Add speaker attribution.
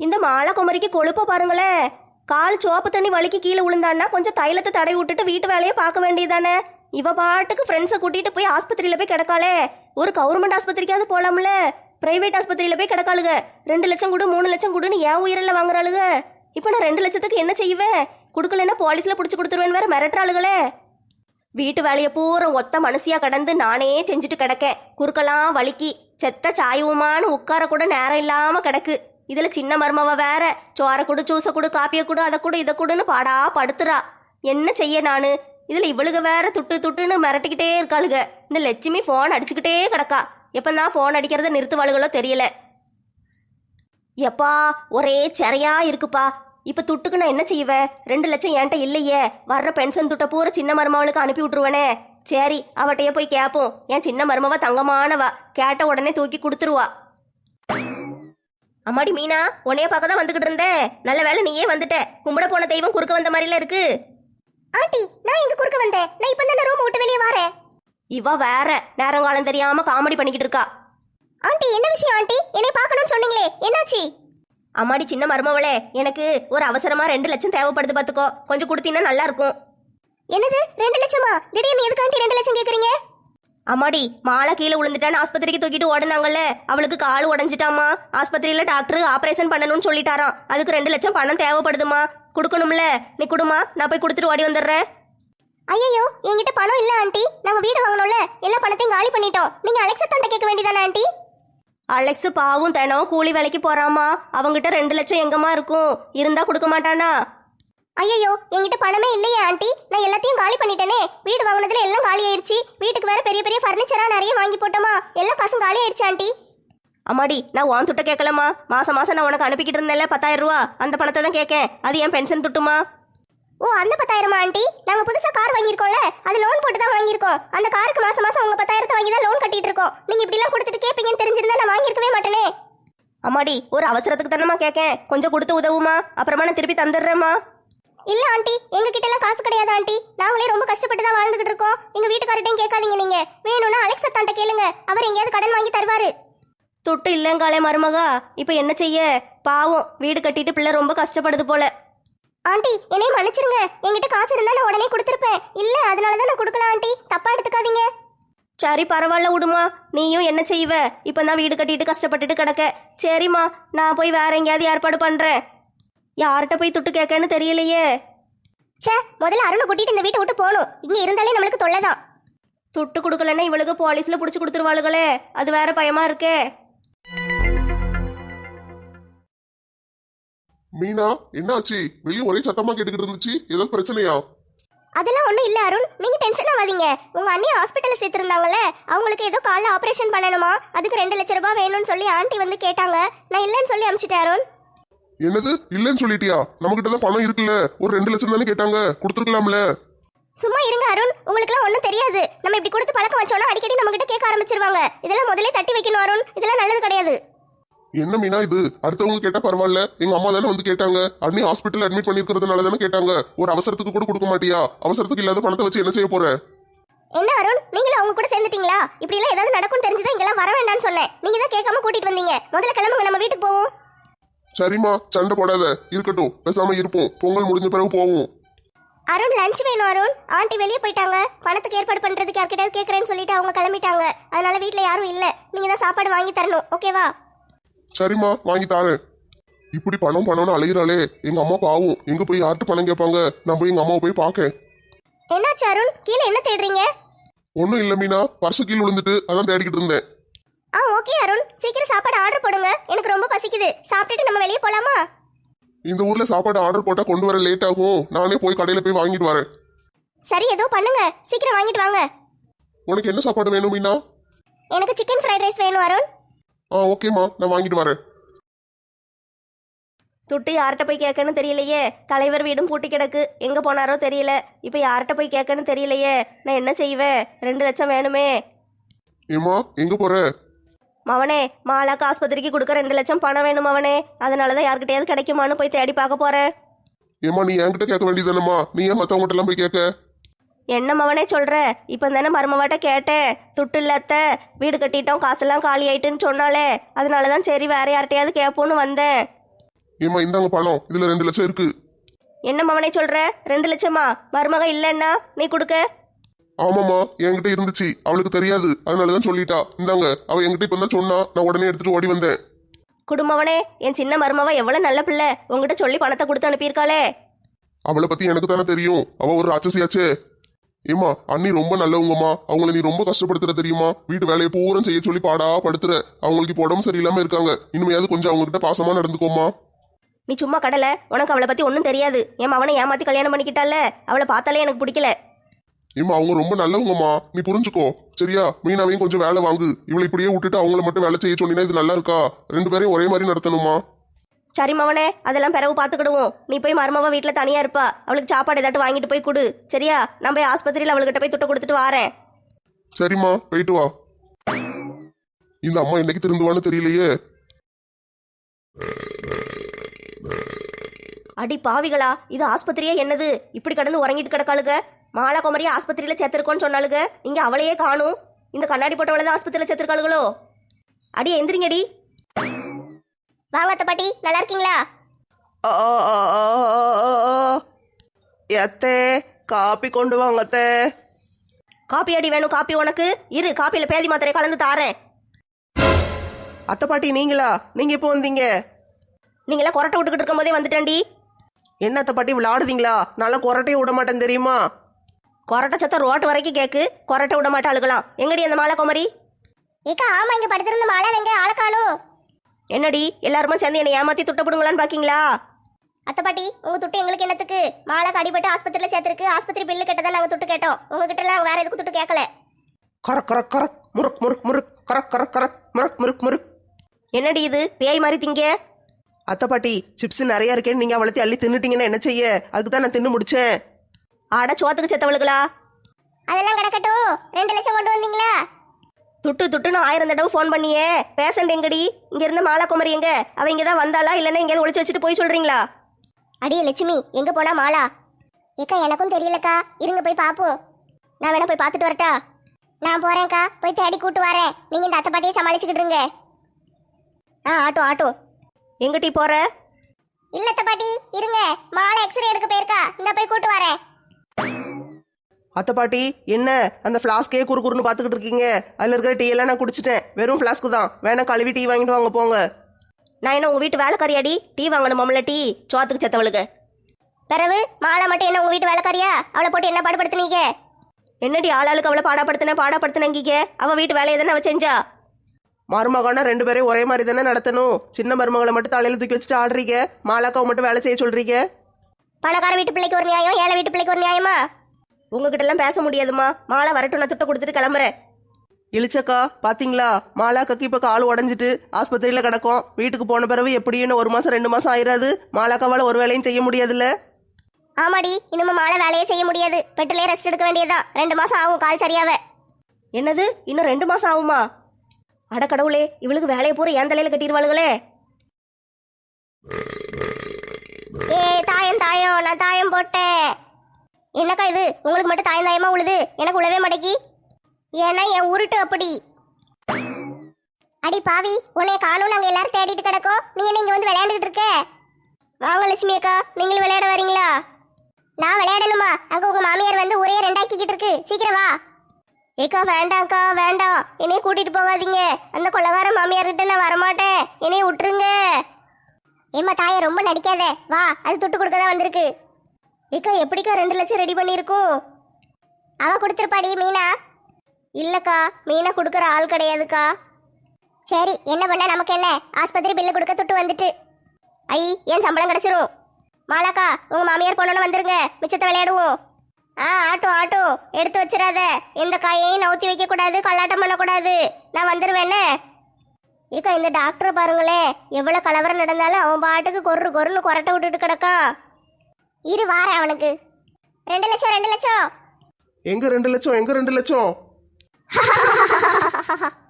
Speaker 1: இந்த மாலை குமரிக்கு கொழுப்ப பாருங்களேன். கால் சோப்பு தண்ணி வலிக்கு கீழே விழுந்தான்னா கொஞ்சம் தைலத்தை தடவி விட்டுட்டு வீட்டு வேலையை பார்க்க வேண்டியதானே. இவ பாட்டுக்கு ஃப்ரெண்ட்ஸை கூட்டிட்டு போய் ஆஸ்பத்திரியில போய் கிடக்காளே. ஒரு கவர்மெண்ட் ஆஸ்பத்திரிக்காவது போலாம்ல. பிரைவேட் ஆஸ்பத்திரியில போய் கிடக்காளுங்க. 2 லட்சம் கொடு 3 லட்சம் கொடுன்னு ஏன் உயிரில் வாங்குறாளுங்க. இப்போ நான் 2 லட்சத்துக்கு என்ன செய்வேன்? கொடுக்கலன்னா போலீஸ்ல பிடிச்சி கொடுத்துருவேன் வேற மிரட்டுறாளுகளே. வீட்டு வேலையை பூரா ஒத்த மனுஷியா கடந்து நானே செஞ்சுட்டு கிடக்கேன். குறுக்கெல்லாம் வலிக்கி செத்த சாயுமான்னு உட்கார கூட நேரம் இல்லாம கிடக்கு. இதுல சின்ன மருமவ வேற சோரை கொடு ஜூஸை கொடு காப்பியை கொடு அதை கொடு இதை கொடுன்னு பாடா படுத்துறா. என்ன செய்ய நானு? இதுல இவளுக வேற துட்டு துட்டுன்னு மிரட்டிக்கிட்டே இருக்காளுங்க. இந்த லட்சுமி போன் அடிச்சுக்கிட்டே கிடக்கா. எப்பந்தான் போன் அடிக்கிறத நிறுத்துவாளுகளோ தெரியல. எப்பா ஒரே சிறையா இருக்குப்பா. இப்ப துட்டுக்கு நான் என்ன செய்வேன்? 2 லட்சம் என்கிட்ட இல்லையே. வர்ற பென்ஷன் துட்டை பூரா சின்ன மருமவளுக்கு அனுப்பி விட்டுருவேனே. சரி அவட்டையே போய் கேட்போம். என் சின்ன மருமவ தங்கமானவா, கேட்ட உடனே தூக்கி கொடுத்துருவா. அம்மாடி மீனா, உன்னைய பார்க்க தான் வந்துகிட்டு இருந்தேன். நல்ல வேலை நீயே வந்துட்ட. கும்பிட போன தெய்வம் குறுக்க வந்த மாதிரில இருக்கு.
Speaker 2: ஆண்டி நான் எங்க குறுக்க வந்தேன்? நான் இப்ப தான் ரூம் விட்டு வெளியே வரேன்.
Speaker 1: இவ வேற நேரங்காலம் தெரியாம காமெடி பண்ணிக்கிட்டு இருக்கா.
Speaker 2: ஆண்டி என்ன விஷயம் ஆண்டி? என்னை பார்க்கணும்னு சொன்னீங்களே, என்னாச்சு?
Speaker 1: அம்மாடி சின்ன மருமவளே, எனக்கு ஒரு அவசரமா 2 லட்சம் தேவைப்படுது, பாத்துக்கோ. கொஞ்சம் கொடுத்தீங்கன்னா நல்லா இருக்கும்.
Speaker 2: என்னது 2 லட்சமா? திடீர்னு எதுக்கு ஆண்டி 2 லட்சம் கேக்குறீங்க?
Speaker 1: அம்மாடி மாலை கீழே விழுந்துட்டான்னு ஆஸ்பத்திரிக்கு தூக்கிட்டு ஓடுனாங்கல்ல. அவளுக்கு கால் உடஞ்சிட்டாமா. ஆஸ்பத்திரியில டாக்டர் ஆபரேஷன் பண்ணணும்னு சொல்லிட்டாராம். அதுக்கு 2 லட்சம் பணம் தேவைப்படுதுமா. கொடுக்கணும்ல. நீ கொடுமா, நான் போய் கொடுத்துட்டு ஓடி வந்துடுறேன்.
Speaker 2: ஐயோ என்கிட்ட பணம் இல்ல ஆண்டி. நாங்க வீடு வாங்கணும்ல, எல்லா பணத்தையும் காலி பண்ணிட்டோம். நீங்க அலெக்ஸா தண்ட கேட்க வேண்டியதானே ஆண்டி?
Speaker 1: அலெக்ஸ் பாவும் தினம் கூலி வேலைக்கு போறாமா. அவங்கிட்ட 2 லட்சம் எங்கம்மா இருக்கும்? இருந்தா கொடுக்க மாட்டானா?
Speaker 2: ஐயோ என்கிட்ட பணமே இல்லையே ஆண்டி. நான் எல்லாத்தையும் காலி பண்ணிட்டேனே. வீடு வாங்கினதுல எல்லாம் காலி ஆயிருச்சு. வீட்டுக்கு வேற பெரிய பெரிய ஃபர்னிச்சரா நிறைய வாங்கி போட்டோமா. எல்லா காசும் காலி ஆயிருச்சு ஆண்டி.
Speaker 1: அம்மாடி நான் உன் துட்ட கேட்கலமா. மாசம் மாசம் நான் உனக்கு அனுப்பிக்கிட்டு இருந்தேன்ல 10,000 ரூபா. அந்த பணத்தை தான் கேட்கேன். அது என் பென்ஷன் துட்டுமா.
Speaker 2: ஓ அந்த 10,000 ஆண்டி? நாங்க புதுசா கார் வாங்கியிருக்கோம்ல, அது லோன் போட்டு தான் வாங்கியிருக்கோம். அந்த காருக்கு மாசம் மாசம் உங்க 10,000 வாங்கி தான் லோன் கட்டிட்டு இருக்கோம். நீங்க இப்படி எல்லாம் கொடுத்துட்டு கேட்பீங்கன்னு தெரிஞ்சிருந்தா நான் வாங்கியிருக்கவே மாட்டேனே.
Speaker 1: அம்மாடி ஒரு அவசரத்துக்கு தானமா கேட்கேன். கொஞ்சம் கொடுத்து உதவுமா. அப்புறமா நான் திருப்பி தந்துடுறேம்மா.
Speaker 2: இல்ல ஆண்டி, எங்க கிட்ட எல்லாம் காசு கிடையாது ஆண்டி. நாங்களே ரொம்ப கஷ்டப்பட்டு தான் வாழ்ந்துகிட்டு இருக்கோம். எங்க வீட்டுக்காரட்டையும் கேட்காதீங்க. நீங்க வேணும்னா அலெக்ஸ் அத்தாண்ட கேளுங்க. அவர் எங்கேயாவது கடன் வாங்கி தருவாரு.
Speaker 1: துட்டு இல்லங்காலே மருமகா. இப்ப என்ன செய்ய? பாவம் வீடு கட்டிட்டு பிள்ளை ரொம்ப கஷ்டப்படுது போல.
Speaker 2: ஆண்டி என்னை மன்னிச்சிருங்க. என்கிட்ட காசு இருந்தா நான் உடனே கொடுத்துருப்பேன். இல்ல அதனாலதான் நான் கொடுக்கல ஆண்டி. தப்பா எடுத்துக்காதீங்க.
Speaker 1: சரி பரவாயில்ல விடுமா. நீயும் என்ன செய்வ? இப்ப நான் வீடு கட்டிட்டு கஷ்டப்பட்டுட்டு கிடக்க. சரிம்மா நான் போய் வேற எங்கேயாவது ஏற்பாடு பண்றேன். யார்கிட்ட போய் துட்டு கேட்கன்னு தெரியலையே.
Speaker 2: சே முதல்ல அருணை கூட்டிட்டு இந்த வீட்டை விட்டு போகணும். இங்க இருந்தாலே நம்மளுக்கு தொல்லைதான்.
Speaker 1: துட்டு கொடுக்கலன்னா இவளுக்கு போலீஸ்ல புடிச்சு கொடுத்துருவாளுகளே. அது வேற பயமா இருக்கே.
Speaker 3: மீனா என்னாச்சு? வெளியே ஒரே சத்தமா கேட்டுக்கிட்டு இருந்துச்சு. ஏதாவது பிரச்சனையா?
Speaker 2: அதெல்லாம் ஒண்ணும் இல்ல அருண், நீங்க டென்ஷன் ஆகாதீங்க. உங்க அண்ணி ஹாஸ்பிட்டல்ல சேர்த்திருந்தாங்கல்ல, அவங்களுக்கு ஏதோ காலைல ஆபரேஷன் பண்ணணுமா. அதுக்கு 2 லட்சம் ரூபாய் வேணும்னு சொல்லி ஆண்டி வந்து கேட்டாங்க. நான் இல்லன்னு சொல்லி அனுப்பிச்சிட்டேன் அருண்.
Speaker 3: என்னது இல்லன்னு சொல்லிட்டியா? நம்ம கிட்ட தான் பணம் இருக்குல்ல. ஒரு 2 லட்சம் தானே கேட்டாங்க, கொடுத்துருக்கலாம்ல.
Speaker 2: சும்மா இருங்க அருண், உங்களுக்கு எல்லாம் ஒண்ணும் தெரியாது. நம்ம இப்படி கொடுத்து பழக்கம் வச்சோம்னா அடிக்கடி நம்ம கிட்ட கேட்க ஆரம்பிச்சிருவாங்க. இதெல்லாம் முதல்ல தட்டி வைக்கணும் அருண். இதெல்லாம் நல்லது கிடையாது.
Speaker 3: என்ன மீனா இது? அடுத்தவங்க கேட்டா பரவாயில்ல. எங்க அம்மா தானே வந்து கேட்டாங்க. அண்ணி ஹாஸ்பிட்டல் அட்மிட் பண்ணிருக்கிறதுனால தானே கேட்டாங்க. ஒரு அவசரத்துக்கு கூட கொடுக்க மாட்டியா? அவசரத்துக்கு இல்லாத பணத்தை வச்சு என்ன செய்ய போற?
Speaker 2: என்ன அருண், நீங்களும் அவங்க கூட சேர்ந்துட்டீங்களா? இப்படி எல்லாம் ஏதாவது நடக்கும்னு தெரிஞ்சுதான் இங்கெல்லாம் வர வேண்டாம்னு சொன்னேன். நீங்க தான் கேட்காம கூட்டிட்டு வந்தீங்க. முதல்ல கிளம்புங்க, நம்ம வீட்டுக்கு போவோம்.
Speaker 3: சரிம்மா சண்டை போடாத. இருக்கட்டும், பேசாம இருப்போம். பொங்கல் முடிஞ்ச பிறகு போவோம்.
Speaker 2: அருண் லஞ்ச் வேணும் அருண். ஆண்டி வெளியே போயிட்டாங்க. பணத்துக்கு ஏற்பாடு பண்றதுக்கு யார்கிட்டயாவது கேட்கறேன்னு சொல்லிட்டு அவங்க கிளம்பிட்டாங்க. அதனால வீட்டுல யாரும் இல்ல. நீங்க தான் சாப்பாடு வாங்கி தரணும். ஓகேவா?
Speaker 3: சரிம்மா வாங்கி தாரேன். இப்படி பணம்னு அலையிறாளே. எங்க அம்மா பாவம். எங்க போய் யார்கிட்ட பணம் கேட்பாங்க? நான் போய் எங்க அம்மாவை போய் பார்க்கேன்.
Speaker 2: என்னாச்சு அருண்? கீழே என்ன தேடுறீங்க?
Speaker 3: ஒன்னும் இல்ல மீனா, பர்சு கீழ் விழுந்துட்டு அதான் தேடிக்கிட்டு இருந்தேன்.
Speaker 2: ஓகே அருண், சீக்கிரம் சாப்பாடு ஆர்டர் போடுங்க. எனக்கு ரொம்ப பசிக்குது. சாப்பிட்டுட்டு நம்ம வெளியே போலாமா?
Speaker 3: இந்த ஊர்ல சாப்பாடு ஆர்டர் போட்டா கொண்டு வர லேட் ஆகும். நானே போய் கடையில போய் வாங்கிட்டு வரேன்.
Speaker 2: சரி ஏதோ பண்ணுங்க, சீக்கிரம் வாங்கிட்டு வாங்க.
Speaker 3: உனக்கு என்ன சாப்பாடு வேணும் மீனா?
Speaker 2: எனக்கு சிக்கன் ஃப்ரைட் ரைஸ் வேணும் அருண்.
Speaker 3: ஓகேம்மா, நான் வாங்கிட்டு வரேன்.
Speaker 1: துட்டு யார்கிட்ட போய் கேட்கன்னு தெரியலையே. தலைவர் வீடும் பூட்டி கிடக்கு. எங்க போனாரோ தெரியல. இப்ப யார்கிட்ட போய் கேட்கன்னு தெரியலையே. நான் என்ன செய்வேன்? 2 லட்சம் வேணுமே.
Speaker 3: ஏமா எங்க போற?
Speaker 1: மவனே மாலாக்கு ஆஸ்பத்திரிக்கு கொடுக்க 2 லட்சம் பணம் வேணும் மவனே. அதனாலதான் யார்கிட்டயாவது கிடைக்குமான்னு போய் தேடி பார்க்க போறேன்.
Speaker 3: ஏமா நீ என்கிட்ட கேட்க வேண்டியதானம்மா. நீ ஏன் மத்தவங்ககிட்ட எல்லாம் போய் கேட்க?
Speaker 1: என்ன மவனே சொல்ற? இப்ப தானே மருமவாட்ட கேட்டேன். துட்டு இல்லத்த, வீடு கட்டிட்டோம், காசெல்லாம் காலி ஆயிட்டுன்னு சொன்னாலே. அதனாலதான் சரி வேற யார்கிட்டயாவது கேட்போன்னு வந்தேன்.
Speaker 3: ஏம்மா இந்தாங்க பணம், இதுல 2 லட்சம் இருக்கு.
Speaker 1: என்ன மவனே சொல்ற? 2 லட்சமா? மருமக இல்லைன்னா நீ கொடுக்க?
Speaker 3: ஆமாம்மா, என்கிட்ட இருந்துச்சு, அவளுக்கு தெரியாது, அதனாலதான் சொல்லிட்டா. இந்தாங்க. அவ என்கிட்ட இப்ப தான் சொன்னா, நான் உடனே எடுத்துட்டு ஓடி வந்தேன்.
Speaker 1: குடும்பவனே, என் சின்ன மருமவ எவ்வளவு நல்ல பிள்ளை, உங்ககிட்ட சொல்லி பணத்தை கொடுத்து அனுப்பியிருக்காளே.
Speaker 3: அவளை பத்தி எனக்கு தானே தெரியும், அவ ஒரு ராட்சசியாச்சே. ஏமா அண்ணி ரொம்ப நல்லவங்கம்மா, அவங்கள நீ ரொம்ப கஷ்டப்படுத்துற தெரியுமா? வீட்டு வேலையை பூரம் செய்ய சொல்லி பாடா படுத்துற. அவங்களுக்கு இப்போ உடம்பு சரியில்லாம இருக்காங்க, இனிமையாவது கொஞ்சம் அவங்க கிட்ட பாசமா நடந்துக்கோமா.
Speaker 1: நீ சும்மா கடலை, உனக்கு அவளை பத்தி ஒன்றும் தெரியாது. என் மவனை ஏமாத்தி கல்யாணம் பண்ணிக்கிட்டால, அவளை பார்த்தாலே எனக்கு பிடிக்கல.
Speaker 3: ஏமா அவங்க ரொம்ப நல்லவங்கம்மா, நீ புரிஞ்சுக்கோ சரியா? மீனாவையும் கொஞ்சம் வேலை வாங்கு. இவளை இப்படியே விட்டுட்டு அவங்கள மட்டும் வேலை செய்ய சொன்னீங்கன்னா இது நல்லா இருக்கா? 2 பேரையும் ஒரே மாதிரி நடத்தணுமா?
Speaker 1: சரி மவனே, அதெல்லாம் பிறகு பார்த்துக்கிடுவோம். நீ போய் மருமவ வீட்டில் தனியா இருப்பா, அவளுக்கு சாப்பாடு ஏதாட்டு வாங்கிட்டு போய் கொடு சரியா? நான் போய் ஆஸ்பத்திரியில் அவள்கிட்ட போய் துட்டை கொடுத்துட்டு வாரேன்.
Speaker 3: சரிம்மா, போயிட்டு வா. இந்த அம்மா என்னைக்கு திருந்துவான்னு தெரியலையே.
Speaker 1: அடி பாவிகளா, இது ஆஸ்பத்திரியே என்னது? இப்படி கடந்து உறங்கிட்டு கிடக்காளுக. மாலா குமரியை ஆஸ்பத்திரியில் சேர்த்திருக்கோன்னு சொன்னாலுங்க, இங்க அவளையே காணும். இந்த கண்ணாடி போட்டவளை தான் ஆஸ்பத்திரியில் சேர்த்திருக்காளுகளோ? அடி எந்திரிங்கடி.
Speaker 2: வாங்க அத்தை பாட்டி, நல்லா இருக்கீங்களா?
Speaker 4: எத்தே காப்பி கொண்டு வாங்க அத்தே.
Speaker 1: காப்பி அடி வேணும்? காப்பி உனக்கு இரு, காப்பியில் பேதி மாத்திரை கலந்து தாரேன்.
Speaker 4: அத்தை பாட்டி நீங்களா? நீங்க எப்போ வந்தீங்க?
Speaker 1: நீங்களாம் கொரட்டை விட்டுக்கிட்டு இருக்கும் போதே வந்துட்டேன்டி.
Speaker 4: என்ன அத்தை பாட்டி விளையாடுதீங்களா? நல்லா கொரட்டையும் விட மாட்டேன் தெரியுமா?
Speaker 1: கொரட்டை சத்தம் ரோட்டு வரைக்கும் கேக்கு, கொரட்டை விட மாட்டாளுகளாம். எங்கடி அந்த மாலா குமரி?
Speaker 2: ஏக்கா ஆமா, இங்க படுத்திருந்த மாலா எங்க ஆளை காணோம்.
Speaker 1: என்னடி எல்லாருமே சேர்ந்து என்னை ஏமாத்தி துட்டப்படுங்களான்னு பாக்கீங்களா?
Speaker 2: அத்தை பாட்டி, உங்க துட்டு எங்களுக்கு என்னத்துக்கு? மாலாக்கு அடிபட்டு ஆஸ்பத்திரியில சேர்த்திருக்கு, ஆஸ்பத்திரி பில்லு கட்டதான் நாங்க துட்டு கேட்டோம். உங்ககிட்ட எல்லாம் வேற எதுக்கு துட்டு கேட்கல.
Speaker 4: கரக் கரக் கரக் முறுக் முறுக் முறுக் கரக் கரக் கரக் முறுக் முறுக் முறுக்.
Speaker 1: என்னடி இது பேய் மாதிரி திங்க?
Speaker 4: அத்தை பாட்டி சிப்ஸ் நிறைய இருக்கேன்னு நீங்க அவளத்தி அள்ளி தின்னுட்டீங்கன்னா என்ன செய்ய? அதுக்கு தான் நான் தின்னு முடிச்சேன்.
Speaker 1: ஆட சோத்துக்கு செத்தவளுகளா?
Speaker 2: அதெல்லாம் கிடக்கட்டும், 2 லட்சம் கொண்டு வந்தீங்களா?
Speaker 1: துட்டு துட்டுன்னு 1000 தடவை ஃபோன் பண்ணியே. பேசண்ட் எங்கடி? இங்க இருந்த மாலா குமரி எங்க? அவ இங்கதான் வந்தாளா இல்லைன்னா எங்கேயாவது ஒளிச்சு வச்சுட்டு போய் சொல்றீங்களா?
Speaker 2: அடியே லட்சுமி, எங்க போனா மாலா? ஏக்கா எனக்கும் தெரியலக்கா, இருங்க போய் பாப்போம். நான் வேணா போய் பார்த்துட்டு வரட்டா? நான் போறேன்க்கா, போய் தேடி கூட்டு வரேன். நீங்க இந்த அத்தை பாட்டியை சமாளிச்சுக்கிட்டு இருங்க.
Speaker 1: Auto auto. எங்கிட்டி போற?
Speaker 2: இல்ல அத்தை பாட்டி இருங்க, மாலை எக்ஸ்ரே எடுக்க போயிருக்கா, இந்த போய் கூட்டு வரேன்.
Speaker 4: அத்தை பாட்டி என்ன அந்த ஃப்ளாஸ்கே குறுக்குறுன்னு பார்த்துக்கிட்டு இருக்கீங்க? அதில் இருக்கிற டீ எல்லாம் நான் குடிச்சிட்டேன், வெறும் ஃப்ளாஸ்க்கு தான். வேணா கழுவி டீ வாங்கிட்டு வாங்க போங்க.
Speaker 1: நான் என்ன உங்க வீட்டு வேலைக்காரியாடி? டீ வாங்கணுமாம்ல? டீ சோத்துக்கு செத்தவளுக்கு.
Speaker 2: பிறகு மாலை மட்டும் என்ன உங்க வீட்டு வேலைக்காரியா? அவளை போட்டு என்ன பாடுபடுத்துனீங்க?
Speaker 1: என்னடி ஆளாளுக்கு அவளை பாடாப்படுத்தினங்கீங்க? அவ வீட்டு வேலையை தானே அவ செஞ்சா.
Speaker 4: மருமகனா 2 பேரையும் ஒரே மாதிரி தானே நடத்தணும். சின்ன மருமகளை மட்டும் தலையில தூக்கி வச்சுட்டு ஆடுறீங்க, மாலாக்காவை மட்டும் வேலை செய்ய சொல்றீங்க.
Speaker 2: பணக்கார வீட்டு பிள்ளைக்கு ஒரு நியாயம், ஏழை வீட்டு பிள்ளைக்கு ஒரு நியாயமா?
Speaker 1: உங்ககிட்ட எல்லாம் பேச முடியாதுமா. மாலை வரட்டும், நான் துட்டை கொடுத்துட்டு கிளம்புறேன்.
Speaker 4: இழிச்சக்கா பாத்தீங்களா? மாலாக்காக்கு இப்ப கால் உடஞ்சிட்டு ஆஸ்பத்திரியில கிடக்கும். வீட்டுக்கு போன பிறகு எப்படின்னு 1 மாசம் 2 மாசம் ஆயிராது. மாலாக்காவால ஒரு வேலையும் செய்ய முடியாதுல்ல.
Speaker 2: ஆமாடி, இன்னும் மாலை வேலையே செய்ய முடியாது. பெட்டிலே ரெஸ்ட் எடுக்க வேண்டியதுதான். 2 மாசம் ஆகும் கால் சரியாவே.
Speaker 1: என்னது இன்னும் 2 மாசம் ஆகுமா? அட கடவுளே, இவளுக்கு வேலையை பூரா என் தலையில கட்டிடுவாளுங்களே.
Speaker 2: ஏ தாயம் தாயம், நான் தாயம் போட்டேன். என்னக்கா இது, உங்களுக்கு மட்டும் தாயம் தாயமா உழுது, எனக்கு உழவே மாட்டேக்கி. ஏன்னா என் உருட்டு அப்படி. அடி பாவி, உன்னைய காணும் நாங்க எல்லாரும் தேடிட்டு கிடக்கோம், நீ என்ன இங்க வந்து விளையாண்டுகிட்டு இருக்க? வாங்க லட்சுமி அக்கா, நீங்களும் விளையாட வரீங்களா? நான் விளையாடணுமா? அங்க உங்க மாமியார் வந்து ஒரே 2 ஆக்கிக்கிட்டு இருக்கு, சீக்கிரம் வா. ஏக்கா வேண்டாம்க்கா வேண்டாம், என்னைய கூட்டிட்டு போகாதீங்க. அந்த கொள்ளகார மாமியார்கிட்ட நான் வரமாட்டேன், என்னைய விட்டுருங்க. ஏம்மா தாயை ரொம்ப நடிக்காத, வா, அது துட்டு கொடுக்க தான் வந்திருக்கு. ஏக்கா எப்படிக்கா 2 லட்சம் ரெடி பண்ணியிருக்கோம்? அவ கொடுத்துருப்பாடி மீனா. இல்லக்கா, மீனா கொடுக்குற ஆள் கிடையாதுக்கா. சரி என்ன பண்ண நமக்கு என்ன, ஆஸ்பத்திரி பில்லு கொடுக்க துட்டு வந்துட்டு. ஐ ஏன் சம்பளம் கிடைச்சிரும். மாலாக்கா உங்க மாமியார் பொண்ணு வந்துருங்க, மிச்சத்தை விளையாடுவோம். ஆட்டோ ஆட்டோ, எடுத்து வச்சிடாத. எந்த காயையும் நவுத்தி வைக்க கூடாது, கல்லாட்டம் பண்ணக்கூடாது. நான் வந்துருவேன்னு. ஏக்கா இந்த டாக்டரை பாருங்களேன், எவ்வளவு கலவரம் நடந்தாலும் அவன் பாட்டுக்கு கொருன்னு கொரட்டை விட்டுட்டு கிடக்கான். இரு வாரேன் அவனுக்கு. 2 லட்சம் 2 லட்சம்.
Speaker 3: எங்க 2 லட்சம்? எங்க 2 லட்சம்?